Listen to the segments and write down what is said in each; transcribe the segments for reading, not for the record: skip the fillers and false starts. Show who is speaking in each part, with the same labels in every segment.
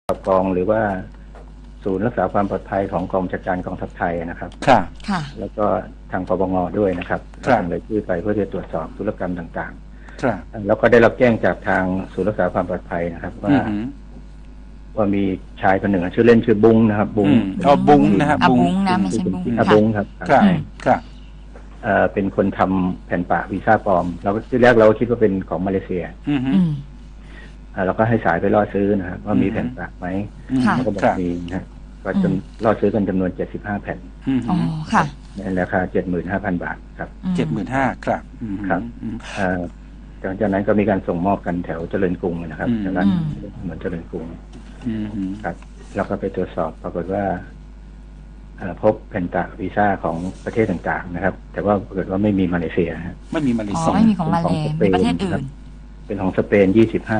Speaker 1: กองหรือว่าศูนย์รักษาความปลอดภัยของกองบัญชาการกองทัพไทยนะครับ
Speaker 2: ค่ะ
Speaker 1: แล้วก็ทางปปงด้วยนะครับทำรายชื่อไปเพื่อจะตรวจสอบธุรกรรมต่างๆแล้วก็ได้รับแจ้งจากทางศูนย์รักษาความปลอดภัยนะครับว่ามีชายคนหนึ่งชื่อเล่นชื่อบุ้งนะครับบุ้ง
Speaker 2: บุ้งนะครับบุ้งนะไม่ใช่บุ้ง
Speaker 1: บุ้งครับ
Speaker 2: ครับ
Speaker 1: เป็นคนทำแผ่นปะวีซ่าปลอมเราก็ที่แรกเราคิดว่าเป็นของมาเลเซียเราก็ให้สายไปล่อซื้อนะครับว่ามีแผ่นปะไหมแล้วก็บอกมีนะก็จนล่อซื้อกันจำนวน75แผ่นในราคา 75,000 บาทครับ
Speaker 2: 75,000ครับ
Speaker 1: ครับจากนั้นก็มีการส่งมอบกันแถวเจริญกรุงนะครับแถวร้านเหมือนเจริญกรุงครับแล้วก็ไปตรวจสอบปรากฏว่าพบแผ่นปะวีซ่าของประเทศต่างๆนะครับแต่ว่าปรากฏว่าไม่มีมาเลเซีย
Speaker 2: ไม่มีมาเลเซีย
Speaker 3: ไม่มีของมาเลมีประเทศอื่น
Speaker 1: เป็นของสเปน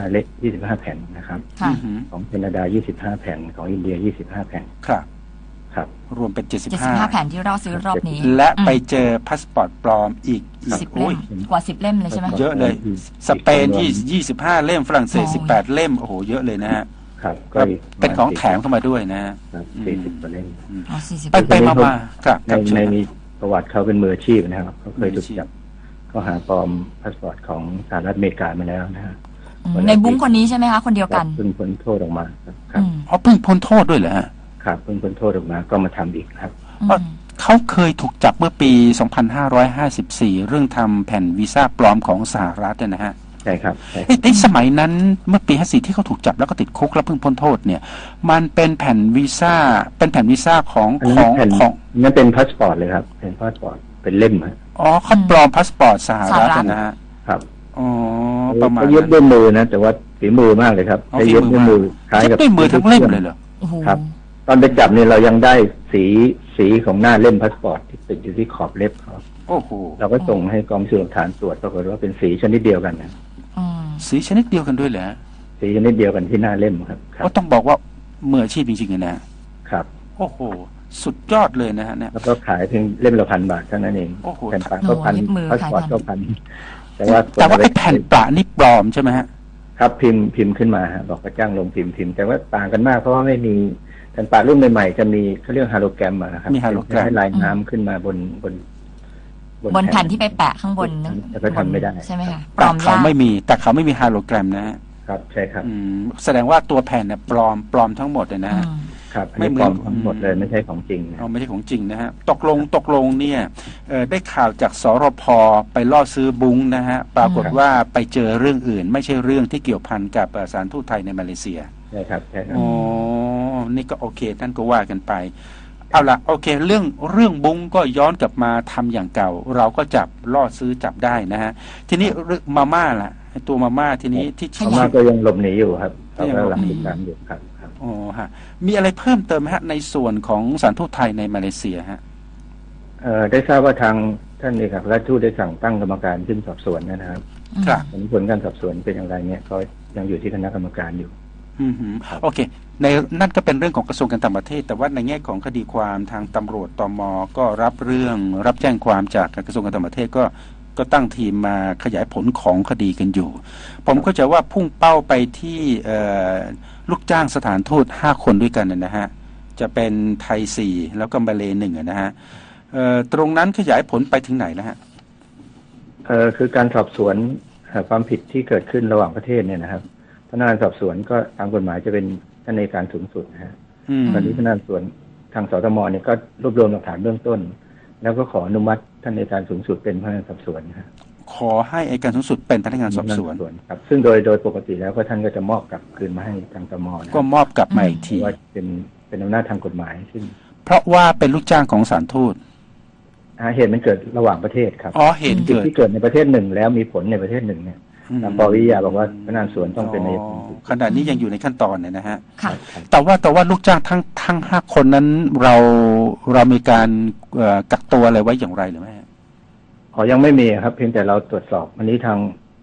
Speaker 1: 25แผ่นนะครับของแคนาดา25แผ่นของอินเดีย25แผ่นครับ
Speaker 2: รวมเป็น
Speaker 3: 75แผ่นที่เราซื้อรอบนี้
Speaker 2: และไปเจอพาสปอร์ตปลอมอีก
Speaker 3: 10เล่มกว่า10เล่มเลยใช่ไหม
Speaker 2: เยอะเลยสเปน25เล่มฝรั่งเศส18เล่มโอ้โหเยอะเลยนะฮะก็เป็นของแถมเข้ามาด้วยนะ
Speaker 1: 40กว่าเล่ม
Speaker 2: ไปมาครับ
Speaker 1: ในประวัติเขาเป็นมืออาชีพนะครับเขาเคยถูกจับก็หาปลอมพาสปอร์ตของสหรัฐอเมริกามาแล้วนะฮะ
Speaker 3: ในบุ้งคนนี้ใช่ไหมคะคนเดียวกัน
Speaker 1: เพิ่งพ้นโทษออกมาครับ
Speaker 2: เพิ่งพ้นโทษด้วยเหรอฮะ
Speaker 1: ครับเพิ่งพ้นโทษออกมาก็มาทำอีกครับ
Speaker 2: เขาเคยถูกจับเมื่อปี2554เรื่องทำแผ่นวีซ่าปลอมของสหรัฐนะฮะ
Speaker 1: ใช่ครับ
Speaker 2: ในสมัยนั้นเมื่อปี54ที่เขาถูกจับแล้วก็ติดคุกแล้วเพิ่งพ้นโทษเนี่ยมันเป็นแผ่นวีซ่าของ
Speaker 1: นั่นเป็นพาสปอร์ตเลยครับเป็นพาสปอร์ตเป็นเล่ม
Speaker 2: เขาปลอมพาสปอร์ตสหรัฐนะฮะ
Speaker 1: ครับ
Speaker 2: ประมาณ
Speaker 1: เย็บด้วยมือนะแต่ว่าฝีมือมากเลยครับใช้เย็บด้วยมือ
Speaker 2: คล้ายกับด้วยมือทั้งเล่มเลยเหรอ
Speaker 1: ครับตอนไปจับเนี่ยเรายังได้สีของหน้าเล่มพาสปอร์ตที่ติดอยู่ที่ขอบเล็บเขา
Speaker 2: โอ้โห
Speaker 1: เราก็ส่งให้กองพิสูจน์หลักฐานตรวจปรากฏว่าเป็นสีชนิดเดียวกันนะ
Speaker 2: สีชนิดเดียวกันด้วยเหรอ
Speaker 1: สีชนิดเดียวกันที่หน้าเล่มครับ
Speaker 2: ก็ต้องบอกว่ามืออาชีพจริงๆนะครับโอ้โหสุดยอดเลยนะฮะเนี่ย
Speaker 1: แล้วก็ขายเพียงเล่มละ1,000 บาทเท่านั้นเองแผ่นปะก็1,000พาสปอร์ตก็1,000แต่ว่า
Speaker 2: ไอ้แผ่นปะนี่ปลอมใช่ไหมฮะ
Speaker 1: ครับพิมพ์ขึ้นมาบอกกระจ้างลงพิมพ์แต่ว่าต่างกันมากเพราะว่าไม่มีแผ่นปะรุ่นใหม่ๆจะมีเขาเรียกฮาโลแกรมนะครับ
Speaker 2: มีฮาโลแกรม
Speaker 1: ให้ลายน้ำขึ้นมาบน
Speaker 3: แผ่นที่ไปแปะข้างบนนั่น
Speaker 1: ก็ทำไม่ได้
Speaker 3: ใช่ไหมคะ
Speaker 2: แต่เขาไม่มีฮาโลแกรมนะครับ
Speaker 1: ใช่ครับ
Speaker 2: แสดงว่าตัวแผ่นเนี่ยปลอมทั้งหมดเลยนะครับ
Speaker 1: ไม่ปลอมทั้งหมดเลยไม่ใช่ของจริง
Speaker 2: ไม่ใช่ของจริงนะฮะตกลงเนี่ยได้ข่าวจากสรพ.ไปล่อซื้อบุ้งนะฮะปรากฏว่าไปเจอเรื่องอื่นไม่ใช่เรื่องที่เกี่ยวพันกับสถานทูตไทยในมาเลเซีย
Speaker 1: ใช่ครับ
Speaker 2: นี่ก็โอเคท่านก็ว่ากันไปเอาละโอเคเรื่องบุ้งก็ย้อนกลับมาทำอย่างเก่าเราก็จับล่อซื้อจับได้นะฮะทีนี้มาม่าล่ะตัวมาม่าทีนี้ที่
Speaker 1: มาม่าก็ยังหลบหนีอยู่ครับยังหลบหนีอยู่ครับ
Speaker 2: อ๋อฮะมีอะไรเพิ่มเติมไหมฮะในส่วนของสถานทูตไทยในมาเลเซียฮะ
Speaker 1: ได้ทราบว่าทางท่านเอกอัครราชทูตได้สั่งตั้งกรรมการขึ้นสอบสวนนะครับผลการสอบสวนเป็นอย่างไรเนี่ยก็ยังอยู่ที่คณะกรรมการอยู่
Speaker 2: โอเคในนั่นก็เป็นเรื่องของกระทรวงการต่างประเทศแต่ว่าในแง่ของคดีความทางตำรวจตม.ก็รับแจ้งความจากกระทรวงการต่างประเทศก็ตั้งทีมมาขยายผลของคดีกันอยู่ผมเข้าใจว่าพุ่งเป้าไปที่ลูกจ้างสถานทูต5 คนด้วยกันนะฮะจะเป็นไทย4แล้วก็มาเล1นะฮะตรงนั้นขยายผลไปถึงไหนนะฮะ
Speaker 1: คือการสอบสวนความผิดที่เกิดขึ้นระหว่างประเทศเนี่ยนะครับพนักงานสอบสวนก็ตามกฎหมายจะเป็นท่านอัยการสูงสุดนะฮะตอนนี้พนักงานสอบสวนทางสตม.เนี่ยก็รวบรวมหลักฐานเบื้องต้นแล้วก็ขออนุมัติท่านอัยการสูงสุดเป็นพนักงานสอบสวนนะ
Speaker 2: ขอให้อัยการสูงสุดเป็นพนักงานสอบสวน
Speaker 1: ครับซึ่งโดยปกติแล้วก็ท่านก็จะมอบกลับคืนมาให้ทางตม.
Speaker 2: ก็มอบกลับมาอีกที
Speaker 1: ว่าเป็นอำนาจทางกฎหมายซึ่ง
Speaker 2: เพราะว่าเป็นลูกจ้างของศาลทูต
Speaker 1: เหตุมันเกิดระหว่างประเทศครับ
Speaker 2: เหตุ
Speaker 1: ที่เกิดในประเทศหนึ่งแล้วมีผลในประเทศหนึ่งเนี่ยตามปวิทยาบอกว่าพนักงานสวนต้องเป็นใน
Speaker 2: ขณะนี้ยังอยู่ในขั้นตอนเนี่ยนะฮะแต่ว่าลูกจ้างทั้ง5 คนนั้นเรามีการกักตัวอะไรไว้อย่างไรหรือไม่
Speaker 1: ยังไม่มีครับเพียงแต่เราตรวจสอบวันนี้ทาง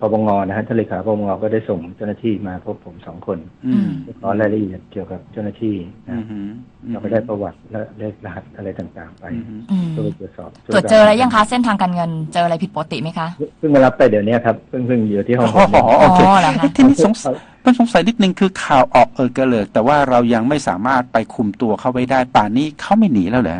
Speaker 1: ปปงนะฮะท่านเลขาปปงก็ได้ส่งเจ้าหน้าที่มาพบผม2 คนขอรายละเอียดเกี่ยวกับเจ้าหน้าที่นะเราก็ได้ประวัติและเลขรหัสอะไรต่างๆไปเพื่อตรวจสอบ
Speaker 3: ตรวจเจออะไรยังคะเส้นทางการเงินเจออะไรผิดปกติไหมคะ
Speaker 1: เพิ่งมารับไปเดี๋ยวนี้ครับเพิ่งอยู่ที่ห้อง
Speaker 2: โอเคที่นี่สงสัยนิดนึงคือข่าวออกกระเลิกแต่ว่าเรายังไม่สามารถไปคุมตัวเขาไว้ได้ป่านนี้เขาไม่หนีแล้วเหรอ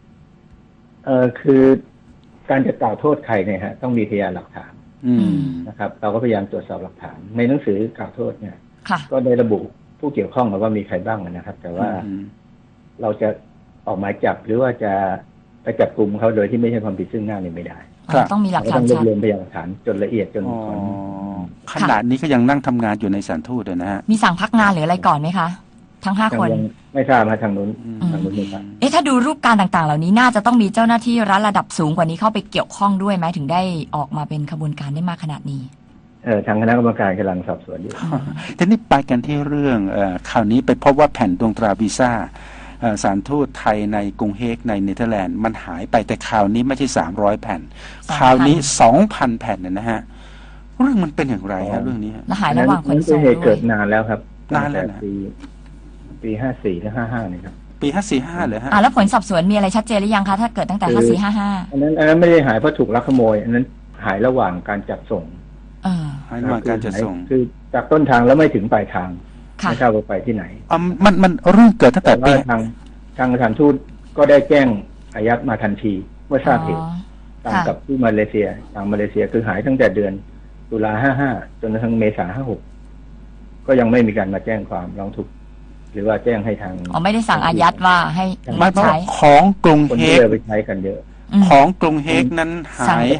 Speaker 1: คือการจะกล่าวโทษใครเนี่ยฮะต้องมีพยานหลักฐานนะครับเราก็พยายามตรวจสอบหลักฐานในหนังสือกล่าวโทษเนี่ยก็ได้ระบุผู้เกี่ยวข้องว่ามีใครบ้างนะครับแต่ว่าเราจะออกหมายจับหรือว่าจะไปจับกลุ่มเขาโดยที่ไม่ใช่ความผิดซึ่งหน้าเนี่ยไม่ได้
Speaker 3: ต้องมีหลักฐาน
Speaker 1: ต้องรวบรวมพยานหลักฐานจนละเอียดจน
Speaker 2: ขนาดนี้ก็ยังนั่งทำงานอยู่ในศาลทูตนะฮะ
Speaker 3: มีสั่งพักงานหรืออะไรก่อนไหมคะทั้ง5 คน
Speaker 1: ไม่ทราบมาทางนู้นไม่ทราบ
Speaker 3: ถ้าดูรูปการต่างๆเหล่านี้น่าจะต้องมีเจ้าหน้าที่รัฐระดับสูงกว่านี้เข้าไปเกี่ยวข้องด้วยไหมถึงได้ออกมาเป็นขบวนการได้มากขนาดนี้
Speaker 1: ทางคณะกรรมการกำลังสอบสวนอยู่
Speaker 2: ทีนี้ไปกันที่เรื่องข่าวนี้ไปพบว่าแผ่นดวงตราวีซ่าสถานทูตไทยในกรุงเฮกในเนเธอร์แลนด์มันหายไปแต่ข่าวนี้ไม่ใช่300 แผ่นข่าวนี้ 2,000 แผ่นนะฮะเรื่องมันเป็นอย่างไรฮะเรื่องนี้
Speaker 3: และหายระหว่างขนส่ง
Speaker 1: ด้วยเกิดนานแล้วครับ
Speaker 2: นานแล้วนะ
Speaker 1: ปี54และ55นี่ครับ
Speaker 2: ปี54-55เลยฮะ
Speaker 3: แล้วผลสอบสวนมีอะไรชัดเจนหรือยังคะถ้าเกิดตั้งแต่54-55
Speaker 1: อันนั้นไม่ได้หายเพราะถูกลักขโมยอันนั้นหายระหว่างการจัดส่ง
Speaker 2: หายระหว่างการจัดส่ง
Speaker 1: คือจากต้นทางแล้วไม่ถึงปลายทางไม่ทราบว่าไปที่ไหน
Speaker 2: มันเรื่องเกิดตั้งแต่ปี
Speaker 1: ทางสถานทูตก็ได้แจ้งอายัดมาทันทีเมื่อทราบเหตุตามกับที่มาเลเซียทางมาเลเซียคือหายตั้งแต่เดือนตุลา55จนถึงเมษา56ก็ยังไม่มีการมาแจ้งความร้องทุกข์หรือว่าแจ้งให้ทาง
Speaker 3: ไม่ได้สั่งอายัดว่าให้
Speaker 2: ใช้ของกรุงเฮก
Speaker 1: ไปใช้กันเยอะ
Speaker 2: ของกรุงเฮกนั้นหาย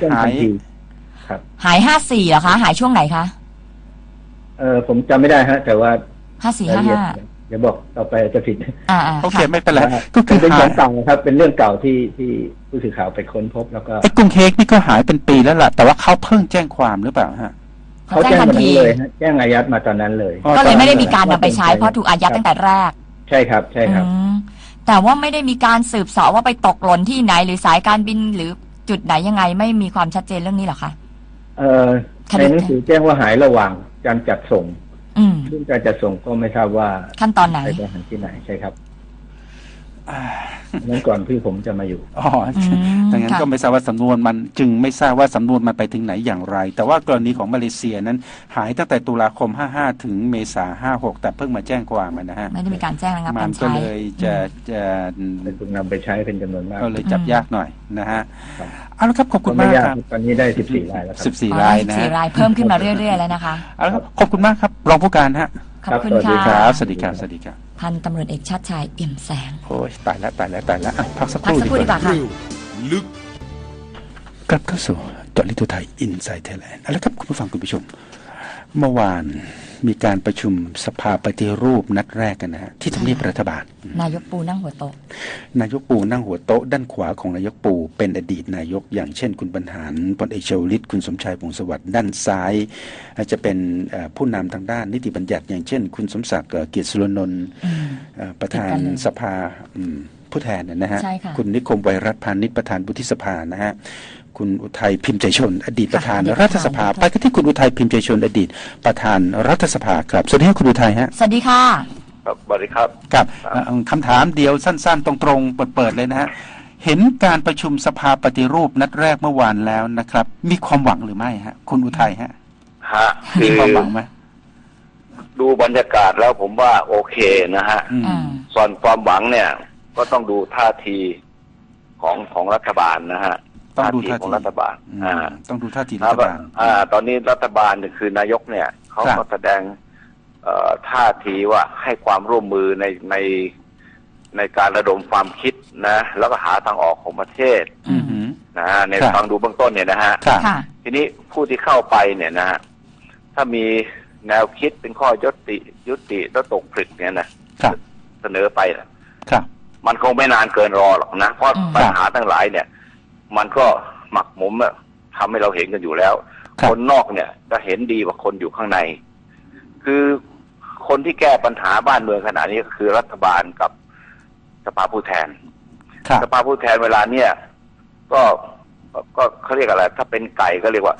Speaker 3: 54เหรอคะหายช่วงไหนคะ
Speaker 1: ผมจำไม่ได้ฮะแต่ว่า
Speaker 3: 54-55
Speaker 1: เดี๋ยวบอกต่อไปจะผิด
Speaker 2: โอเคไม่เป็นไร
Speaker 1: ก็คือเป็นของเก่าครับเป็นเรื่องเก่าที่ผู้สื่อข่าวไปค้นพบแล้วก็
Speaker 2: กรุงเฮกนี่ก็หายเป็นปีแล้วล่ะแต่ว่าเขาเพิ่งแจ้งความหรือเปล่าฮะ
Speaker 1: เขาแจ้งทันทีเลยแจ้งอายัดมาตอนนั้นเลย
Speaker 3: ก็เลยไม่ได้มีการนำไปใช้เพราะถูกอายัดตั้งแต่แรก
Speaker 1: ใช่ครับ
Speaker 3: แต่ว่าไม่ได้มีการสืบเสาะว่าไปตกหล่นที่ไหนหรือสายการบินหรือจุดไหนยังไงไม่มีความชัดเจนเรื่องนี้หรอคะ
Speaker 1: ในหนังสือแจ้งว่าหายระหว่างการจัดส่งเรื่องการจัดส่งก็ไม่ทราบว่า
Speaker 3: ขั้นตอนไหน
Speaker 1: ไปหาที่ไหนใช่ครับนั้นก่อนพี่ผมจะมาอยู่
Speaker 2: ดังนั้นก็ไม่ทราบว่าสำนวนมันจึงไม่ทราบว่าสำนวนมันไปถึงไหนอย่างไรแต่ว่ากรณีของมาเลเซียนั้นหายตั้งแต่ตุลาคม55ถึงเมษา56แต่เพิ่งมาแจ้งความนะฮะ
Speaker 3: ไม่ได้มีการแจ้งนะครับ
Speaker 2: มันก็เลยจะ
Speaker 1: ถูกนำไปใช้เป็นจำนวนมาก
Speaker 2: ก็เลยจับยากหน่อยนะฮะเอาละครับขอบคุณมากครับ
Speaker 1: ตอนนี้ได้14 รายแล้ว
Speaker 2: ครับ14 รายนะ
Speaker 3: 14 รายเพิ่มขึ้นมาเรื่อยๆแล้วนะคะ
Speaker 2: เอาละครับขอบคุณมากครับรองผู้การฮะ
Speaker 3: ขอบคุณค่ะ
Speaker 2: สวัสดีครับสวัสดีครับ
Speaker 3: พันตำรวจเอกชาติชายเอี่ยมแสง
Speaker 2: โอ้ยตายแล้วพักสักครู่
Speaker 3: ดีกว่าค่ะ
Speaker 2: ลึกกลับเข้าสู่เจาะลึกทั่วไทยอินไซด์ไทยแลนด์เอาละครับคุณผู้ฟังคุณผู้ชมเมื่อวานมีการประชุมสภาปฏิรูปนัดแรกกันนะฮะที่ทำเนียบรัฐบาล
Speaker 3: นายกปูนั่งหัวโต๊ะ
Speaker 2: นายกปูนั่งหัวโต๊ะด้านขวาของนายกปูเป็นอดีตนายกอย่างเช่นคุณบรรหารพลเอกชวลิตคุณสมชายวงศ์สวัสดิ์ด้านซ้ายจะเป็นผู้นำทางด้านนิติบัญญัติอย่างเช่นคุณสมศักดิ์เกียรติสุรนนท์ประธานสภาผู้แทนนะฮะคุณนิคมไวรัตน์พานิชประธานวุฒิสภานะฮะคุณอุทัยพิมพ์ใจชนอดีตประธานรัฐสภาไปกันที่คุณอุทัยพิมพ์ใจชนอดีตประธานรัฐสภาครับสวัสดีครับคุณอุทัยฮะ
Speaker 3: สวัสดีค่ะ
Speaker 4: ครับสวัสดีครับ
Speaker 2: ครับคำถามเดียวสั้นๆตรงๆเปิดๆเลยนะฮะเห็นการประชุมสภาปฏิรูปนัดแรกเมื่อวานแล้วนะครับมีความหวังหรือไม่ฮะคุณอุทัยฮะมีความหวังไหม
Speaker 4: ดูบรรยากาศแล้วผมว่าโอเคนะฮะส่วนความหวังเนี่ยก็ต้องดูท่าทีของรัฐบาลนะฮะ
Speaker 2: ท่าที
Speaker 4: ของรัฐบาล
Speaker 2: ต้องดูท่าทีรัฐบาล
Speaker 4: ตอนนี้รัฐบาลเนี่ยคือนายกเนี่ยเขาก็แสดงท่าทีว่าให้ความร่วมมือในการระดมความคิดนะแล้วก็หาทางออกของประเทศนะฮะในฟังดูเบื้องต้นเนี่ยนะฮะทีนี้ผู้ที่เข้าไปเนี่ยนะฮะถ้ามีแนวคิดเป็นข้อยุติแล้วตกผลึกเนี่ยนะเสนอไปมันคงไม่นานเกินรอหรอกนะเพราะปัญหาทั้งหลายเนี่ยมันก็หมักหมมทำให้เราเห็นกันอยู่แล้วคนนอกเนี่ยจะเห็นดีกว่าคนอยู่ข้างในคือคนที่แก้ปัญหาบ้านเมืองขณะนี้ก็คือรัฐบาลกับสภาผู้แทนสภาผู้แทนเวลาเนี่ยก็เขาเรียกอะไรถ้าเป็นไก่ก็เรียกว่า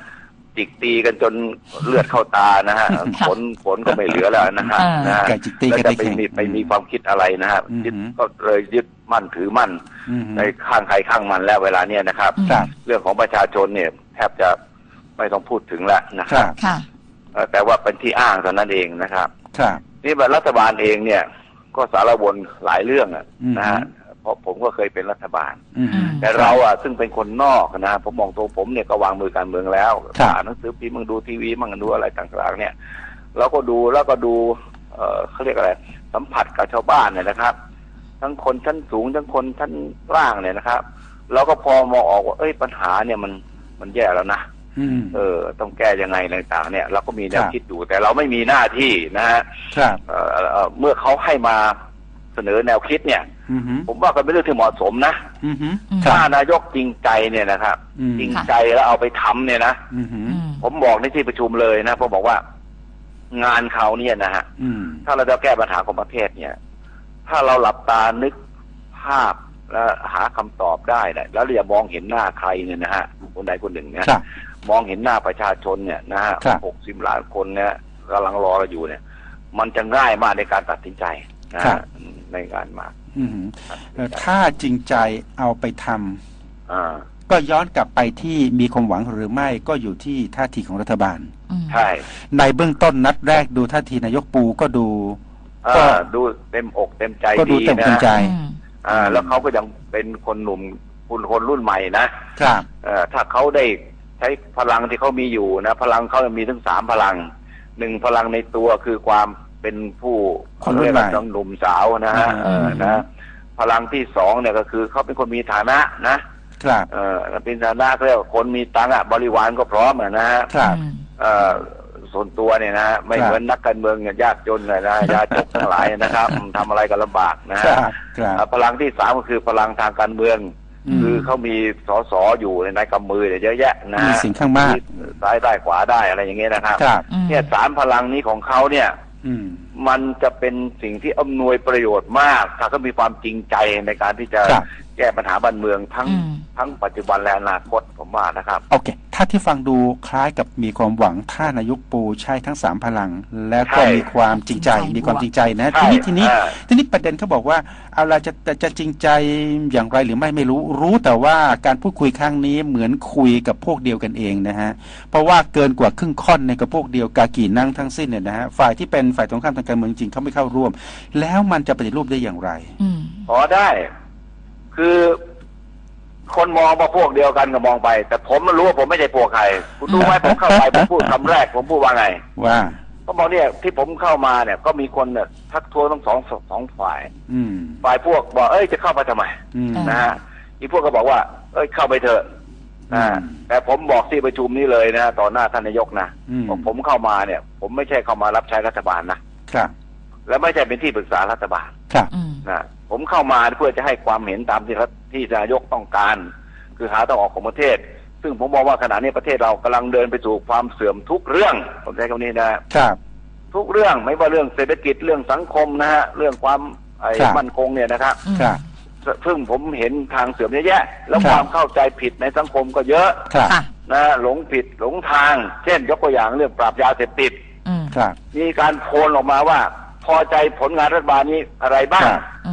Speaker 4: จิกตีกันจนเลือดเข้าตานะฮะผลก็ไม่เหลือแล้วนะฮะ
Speaker 2: ไก่จิกตีกัน
Speaker 4: แล้วจะไปมีความคิดอะไรนะฮะก็เลยยึดมั่นถือมั่นในข้างใครข้างมันแล้วเวลาเนี้ยนะครับเรื่องของประชาชนเนี่ยแทบจะไม่ต้องพูดถึงแล้วนะครับแต่ว่าเป็นที่อ้างเท่านั้นเองนะครับนี่รัฐบาลเองเนี่ยก็สารวนหลายเรื่องนะฮะเพราะผมก็เคยเป็นรัฐบาลแต่เราซึ่งเป็นคนนอกนะผมมองตัวผมเนี่ยก็วางมือการเมืองแล้วอ่านหนังสือพิมพ์มั่งดูทีวีมั่งดูอะไรต่างๆเนี่ยเราก็ดูเขาเรียกอะไรสัมผัสกับชาวบ้านเนี่ยนะครับทั้งคนชั้นสูงทั้งคนชั้นล่างเนี่ยนะครับเราก็พอมองออกว่าปัญหาเนี่ยมันแย่แล้วนะต้องแก้ยังไงต่างๆเนี่ยเราก็มีแนวคิดอยู่แต่เราไม่มีหน้าที่นะฮะเมื่อเขาให้มาเสนอแนวคิดเนี่ยผมว่าก็เป็นเรื่องที่เหมาะสมนะถ้านายกจริงใจเนี่ยนะครับจริงใจแล้วเอาไปทำเนี่ยนะผมบอกในที่ประชุมเลยนะผมบอกว่างานเขาเนี่ยนะฮะถ้าเราจะแก้ปัญหาของประเทศเนี่ยถ้าเราหลับตานึกภาพและหาคำตอบได้แล้วอย่ามองเห็นหน้าใครเนี่ยนะฮะคนใดคนหนึ่งเนี่ยมองเห็นหน้าประชาชนเนี่ยนะฮะ60 ล้านคนเนี่ยกำลังรอเราอยู่เนี่ยมันจะง่ายมากในการตัดสินใจนะในงานมาก
Speaker 2: ถ้าจริงใจเอาไปทำก็ย้อนกลับไปที่มีความหวังหรือไม่ก็อยู่ที่ท่าทีของรัฐบาล
Speaker 4: ใช่
Speaker 2: ในเบื้องต้นนัดแรกดูท่าทีนายกปูก็ดู
Speaker 4: เต็มอกเต็มใจ
Speaker 2: ก็ดูเต็มใจ
Speaker 4: แล้วเขาก็ยังเป็นคนหนุ่มคนรุ่นใหม่นะครับถ้าเขาได้ใช้พลังที่เขามีอยู่นะพลังเขามีทั้ง3 พลัง1 พลังในตัวคือความเป็นผู้เรียกว่าหนุ่มสาวนะฮะพลังที่2เนี่ยก็คือเขาเป็นคนมีฐานะนะครับเป็นฐานะเรียกว่าคนมีตังค์บริวารก็พร้อมนะฮะส่วนตัวเนี่ยนะไม่เหมือนนักการเมืองยากจนเลยนะยาจกทั้งหลายนะครับทำอะไรก็ลำบากนะฮะพลังที่3ก็คือพลังทางการเมืองคือเขามีสสอยู่ในกำมือเยอะแยะนะ
Speaker 2: มีสิ่งข้างมาก
Speaker 4: ซ้ายได้ขวาได้อะไรอย่างเงี้ยนะครับเนี่ย3 พลังนี้ของเขาเนี่ยมันจะเป็นสิ่งที่อำนวยประโยชน์มากถ้าเขามีความจริงใจในการที่จะแก้ปัญหาบ้านเมืองทั้งปัจจุบันและอนาคตผมว่านะครับ
Speaker 2: โอเคถ้าที่ฟังดูคล้ายกับมีความหวังถ้านายกปูใช้ทั้ง3 พลังและก็มีความจริงใจมีความจริงใจนะทีนี้ประเด็นเขาบอกว่าเอาล่ะจะจริงใจอย่างไรหรือไม่รู้แต่ว่าการพูดคุยครั้งนี้เหมือนคุยกับพวกเดียวกันเองนะฮะเพราะว่าเกินกว่าครึ่งค่อนในกับพวกเดียวกากี่นั่งทั้งสิ้นเนี่ยนะฮะฝ่ายที่เป็นฝ่ายตรงข้ามทางการเมืองจริงเขาไม่เข้าร่วมแล้วมันจะปฏิรูปได้อย่างไร
Speaker 4: ได้คือคนมองมาพวกเดียวกันก็มองไปแต่ผมรู้ว่าผมไม่ใช่พวกใครคุณรู้ไหมผมเข้าไปผมพูดคำแรกผมพูดว่าไง
Speaker 2: ว่า
Speaker 4: เขาบอกเนี่ยที่ผมเข้ามาเนี่ยก็มีคนเนี่ยทักท้วงทั้งสองฝ่ายฝ่ายพวกบอกจะเข้าไปทำไมนะฮะอีพวกก็บอกว่าเข้าไปเถอะแต่ผมบอกที่ประชุมนี้เลยนะต่อหน้าท่านนายกนะผมเข้ามาเนี่ยผมไม่ใช่เข้ามารับใช้รัฐบาลนะครับและไม่ใช่เป็นที่ปรึกษารัฐบาล
Speaker 2: ครับ
Speaker 4: นะผมเข้ามาเพื่อจะให้ความเห็นตามที่นายกต้องการคือหาทางออกของประเทศซึ่งผมมองว่าขณะนี้ประเทศเรากำลังเดินไปสู่ความเสื่อมทุกเรื่องผมใช้คำนี้นะครับทุกเรื่องไม่ว่าเรื่องเศรษฐกิจเรื่องสังคมนะฮะเรื่องความมั่นคงเนี่ยนะครับซึ่งผมเห็นทางเสื่อมเยอะแยะแล้วความเข้าใจผิดในสังคมก็เยอะนะหลงผิดหลงทางเช่นยกตัวอย่างเรื่องปราบยาเสพติดมีการโพลออกมาว่าพอใจผลงานรัฐบาลนี้อะไรบ้าง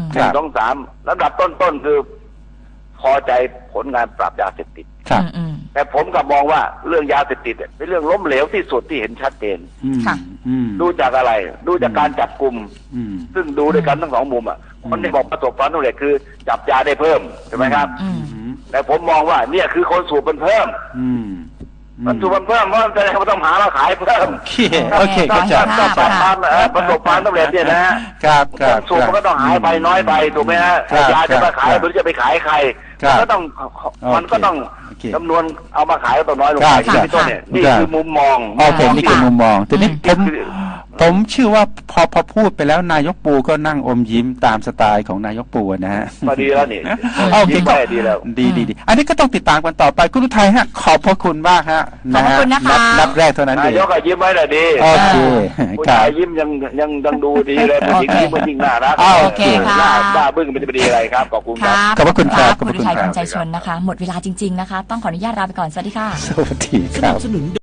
Speaker 4: 1 2 3ลำดับต้นๆคือพอใจผลงานปราบยาเสพติดแต่ผมกลับมองว่าเรื่องยาเสพติดเป็นเรื่องล้มเหลวที่สุดที่เห็นชัดเจนดูจากอะไรดูจากการจับกลุ่มซึ่งดูด้วยกันทั้ง2 มุมคนที่บอกประสบความสำเร็จคือจับยาได้เพิ่มใช่ไหมครับแต่ผมมองว่าเนี่ยคือคนสูบมันเพิ่มมันสูบมันเพิ่มเพราะจะต้องหามาขายเพิ่ม
Speaker 2: โอเค
Speaker 4: ก็จะประสบความสำเร็จเนี่ยนะครับสูบมันก็ต้องหายไปน้อยไปถูกไหมฮะยาจะมาขายหรือจะไปขายใครมันก็ต้องจำนวนเอามาขายก็ต้องน้อยลงไปที่ต้นเนี่ยนี่คือมุมมอง
Speaker 2: โอเคนี่คือมุมมองทีนี้ผมเชื่อว่าพอพูดไปแล้วนายกปูก็นั่งอมยิ้มตามสไตล์ของนายกปูนะฮะ
Speaker 4: พอดีแล้วนี่
Speaker 2: โอเคก็ดีแล้วดีอันนี้ก็ต้องติดตามกันต่อไปคุณอุทัยฮะขอบพระคุณมากฮะ
Speaker 3: ขอบคุณนะคะ
Speaker 2: นับแรกเท่านั้นเอง
Speaker 4: นายกยิ้มไว้เลยดี
Speaker 2: โอเค
Speaker 4: ผู้ชายยิ้มยังดูดีเลยผู้หญิงยิ้มมันจริงน่ารัก
Speaker 3: โอเคค่ะ
Speaker 4: บ้าบึ้งมันจะดีอะไรครับขอบคุณครับ
Speaker 2: ขอบพระคุณครับ
Speaker 3: คุณอุทัย คนใจชนนะคะหมดเวลาจริงๆนะคะต้องขออนุญาตลาไปก่อนสวัสดีค่ะ
Speaker 2: สวัสดีครับ